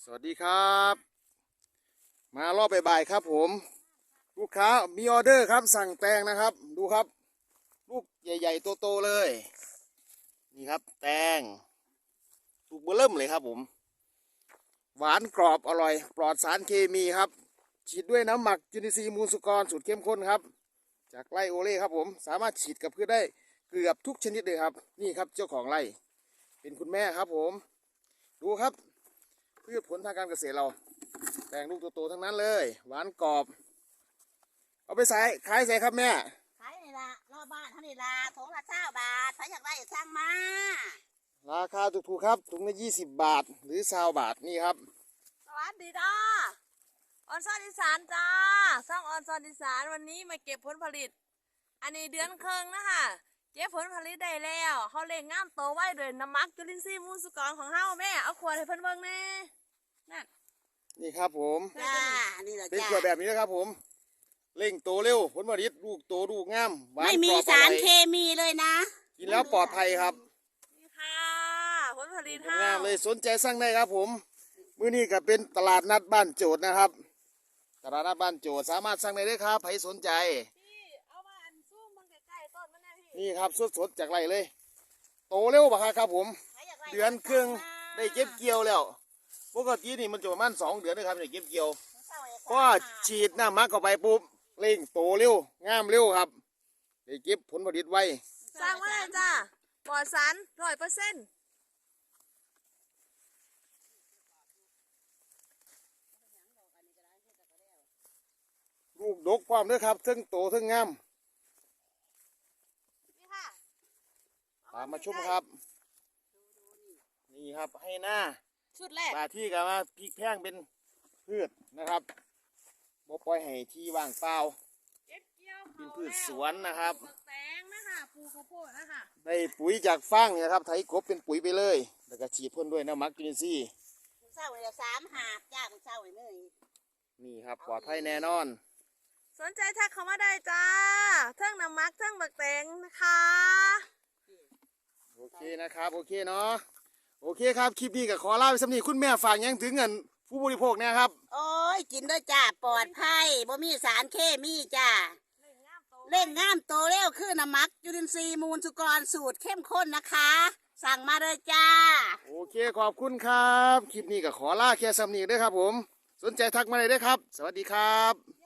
สวัสดีครับมารอบบ่ายๆครับผมลูกค้ามีออเดอร์ครับสั่งแตงนะครับดูครับลูกใหญ่ๆโตๆเลยนี่ครับแตงลูกเบอร์เริ่มเลยครับผมหวานกรอบอร่อยปลอดสารเคมีครับฉีดด้วยน้ำหมักจุลินทรีย์มูลสุกรสูตรเข้มข้นครับจากไร่โอเล่ครับผมสามารถฉีดกับพืชได้เกือบทุกชนิดเลยครับนี่ครับเจ้าของไร่เป็นคุณแม่ครับผมดูครับพืชผลทางการเกษตรเราแตงลูกโตๆทั้งนั้นเลยหวานกรอบเอาไปใส่ขายใส่ครับแม่ขายนี่ละรอบบ้านเท่านี้ละถุงละ9 บาทใครอยากได้สั่งมาราคาถูกๆครับถุงละ20 บาทหรือ20 บาทนี่ครับสวัสดีจ้าออนซอนอีสานจ้าซ่องออนซอนอีสานวันนี้มาเก็บผลผลิตอันนี้เดือนครึ่งนะคะเก็บผลผลิตได้แล้วเขาเล่งงามโตไว้ด้วยน้ำมักจุลินทรีย์มูลสุกรของเฮาแม่เอาขวดให้เพิ่นเบิ่งแน่นั่นนี่ครับผมจ้านี่แหละเป็นจ้าขวดแบบนี้นะครับผมเร่งโตเร็วผลผลิตลูกโตลูกงามหวานไม่มีกรอบสารออยเคมีเลยนะกินแล้วปลอดภัยครับนี่ค่ะผลผลิตงามเลยสนใจสั่งได้ครับผมมื้อนี้ก็เป็นตลาดนัดบ้านโจทย์นะครับตลาดนัดบ้านโจทย์สามารถสั่งได้เลยครับใครสนใจพี่เอามาอันซูมมันใกล้ๆต้นมันแน่พี่นี่ครับสดๆจากไร่เลย โตเร็วปะครับผมใครอยากได้เดือนครึ่งได้เก็บเกี่ยวแล้วปกตินี่มันจะประมาณ2 เดือนนะครับได้เก็บเกี่ยวพอฉีดน้ำมักเข้าไปปุ๊บเร่งโตเร็วงามเร็วครับได้เก็บผลผลิตไวสร้างมาเลยจ้าปลอดสาร100% ลูกดกความด้วยครับทั้งโตทั้งงามนี่ค่ะตามมาชมครับนี่ครับให้หน้าชุดแรกบาที่กับมาพริกแพงเป็นพืชนะครับบ่ปล่อยให้ที่ว่างเปล่าเก็บเกี่ยวเป็นพืชสวนนะครับปลูกแตงนะคะปลูกข้าวโพดนะคะได้ปุ๋ยจากฟางเนี่ยครับไถกบเป็นปุ๋ยไปเลยแล้วก็ฉีดพ่นด้วยน้ำหมักจุลินทรีย์มึงเศร้าเลย3 หาบจ้ามึงเศร้าเลยนี่ครับปลอดภัยแน่นอนสนใจทักเข้ามาได้จ้าเทิงน้ำมักเทิงบักแตงนะคะโอเคนะครับโอเคเนาะโอเคครับคลิปนี้ก็ขอลาไปสำนีคุณแม่ฝากยังถึงเงินผู้บริโภคเนี่ยครับโอ้ยกินด้วยจ้าปลอดภัยบ่มีสารเคมีจ้าเล่งงามโตเร็วคือน้ำมักจุลินทรีย์มูลสุกรสูตรเข้มข้นนะคะ สั่งมาเลยจ้าโอเคขอบคุณครับคลิปนี้ก็ขอลาแค่สำนีด้วยครับผมสนใจทักมาเลยด้วยครับสวัสดีครับ